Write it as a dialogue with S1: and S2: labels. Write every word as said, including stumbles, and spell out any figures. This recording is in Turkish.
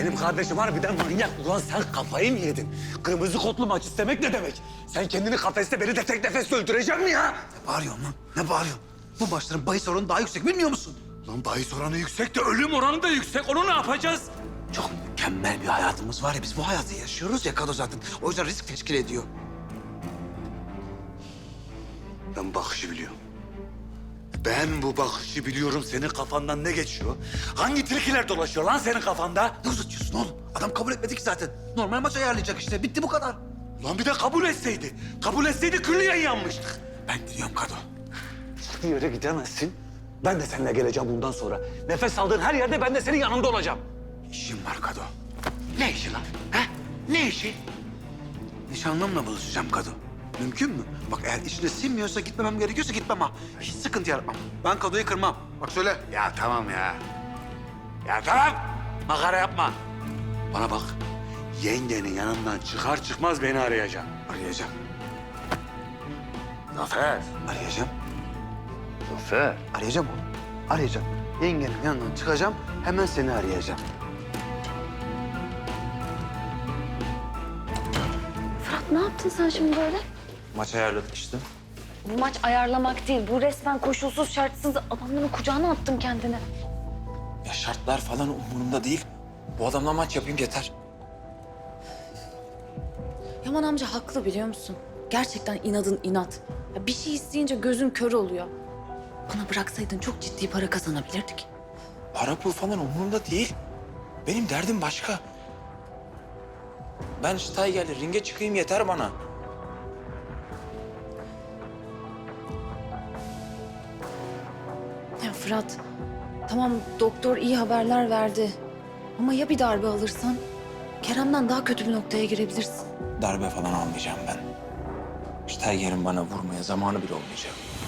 S1: Benim kardeşim harbiden manyak. Ulan sen kafayı mı yedin? Kırmızı kotlu maç istemek ne demek? Sen kendini kafeste beni de tek nefesle öldüreceksin mi ya?
S2: Ne bağırıyorsun lan? Ne bağırıyorsun? Bu maçların bahis oranı daha yüksek bilmiyor musun?
S1: Lan bahis oranı yüksek de ölüm oranı da yüksek. Onu ne yapacağız?
S2: Çok mükemmel bir hayatımız var ya, biz bu hayatı yaşıyoruz ya Kado zaten. O yüzden risk teşkil ediyor.
S1: Ben bakışı biliyorum. Ben bu bakışı biliyorum. Senin kafandan ne geçiyor? Hangi tilkiler dolaşıyor lan senin kafanda?
S2: Ne uzatıyorsun oğlum? Adam kabul etmedi ki zaten. Normal maç ayarlayacak işte. Bitti bu kadar.
S1: Lan bir de kabul etseydi. Kabul etseydi külliyen yanmıştık.
S2: Ben gidiyorum Kado.
S1: Hiçbir yere gidemezsin. Ben de seninle geleceğim bundan sonra. Nefes aldığın her yerde ben de senin yanında olacağım.
S2: İşim var Kado.
S1: Ne işi lan? Ha? Ne işi?
S2: Nişanlımla buluşacağım Kado. Mümkün mü? Bak eğer içine sinmiyorsa, gitmemem gerekiyorsa gitmem ha. Hiç sıkıntı yaratmam. Ben Kado'yu kırmam. Bak söyle.
S1: Ya tamam ya. Ya tamam. Makara yapma. Bana bak. Yengenin yanından çıkar çıkmaz beni arayacaksın.
S2: Arayacağım.
S1: Zafer.
S2: Arayacağım.
S1: Zafer.
S2: Arayacağım oğlum. Arayacağım. Yengenin yanından çıkacağım. Hemen seni arayacağım.
S3: Fırat ne yaptın sen şimdi böyle?
S4: Maç ayarladık işte.
S3: Bu maç ayarlamak değil. Bu resmen koşulsuz şartsız adamların kucağına attın kendini.
S4: Ya şartlar falan umurumda değil. Bu adamla maç yapayım yeter.
S3: Yaman amca haklı biliyor musun? Gerçekten inadın inat. Ya bir şey isteyince gözün kör oluyor. Bana bıraksaydın çok ciddi para kazanabilirdik.
S4: Para pul falan umurumda değil. Benim derdim başka. Ben Steiger'le ringe çıkayım yeter bana.
S3: Ya Fırat, tamam doktor iyi haberler verdi. Ama ya bir darbe alırsan? Kerem'den daha kötü bir noktaya girebilirsin.
S4: Darbe falan almayacağım ben. Steiger'in bana vurmaya zamanı bile olmayacak.